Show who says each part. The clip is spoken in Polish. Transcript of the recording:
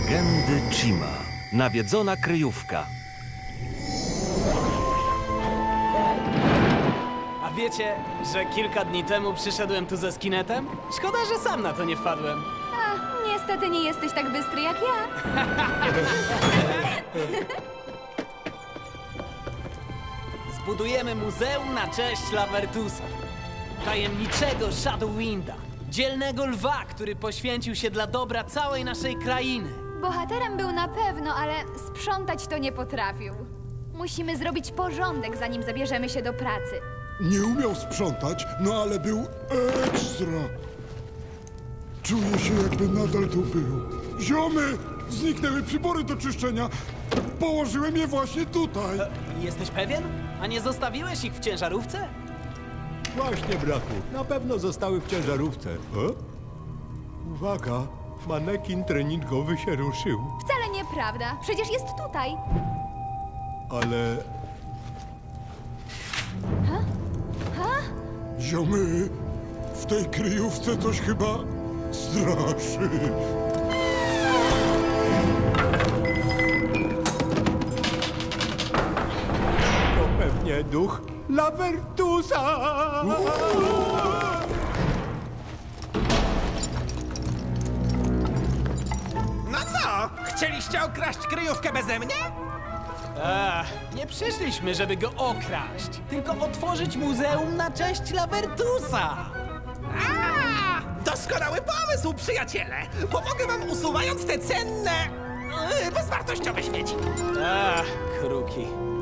Speaker 1: Legendy Chima. Nawiedzona kryjówka.
Speaker 2: A wiecie, że kilka dni temu przyszedłem tu ze skinetem? Szkoda, że sam na to nie wpadłem.
Speaker 3: A, niestety nie jesteś tak bystry jak ja.
Speaker 2: Zbudujemy muzeum na cześć Lavertusa. Tajemniczego Shadowwinda. Dzielnego lwa, który poświęcił się dla dobra całej naszej krainy.
Speaker 3: Bohaterem był na pewno, ale sprzątać to nie potrafił. Musimy zrobić porządek, zanim zabierzemy się do pracy.
Speaker 4: Nie umiał sprzątać, no ale był ekstra. Czuję się, jakby nadal tu był. Ziomy! Zniknęły przybory do czyszczenia. Położyłem je właśnie tutaj.
Speaker 2: Jesteś pewien? A nie zostawiłeś ich w ciężarówce?
Speaker 5: Właśnie, brachu. Na pewno zostały w ciężarówce. Uwaga, manekin treningowy się ruszył.
Speaker 3: Wcale nieprawda. Przecież jest tutaj.
Speaker 5: Ale
Speaker 4: Ziomy, w tej kryjówce coś chyba straszy.
Speaker 5: to pewnie duch Lavertusa!
Speaker 6: No co? Chcieliście okraść kryjówkę beze mnie?
Speaker 2: Nie przyszliśmy, żeby go okraść, tylko otworzyć muzeum na cześć Lavertusa.
Speaker 6: Doskonały pomysł, przyjaciele! Pomogę wam usuwając te cenne, bezwartościowe śmieci.
Speaker 2: Kruki.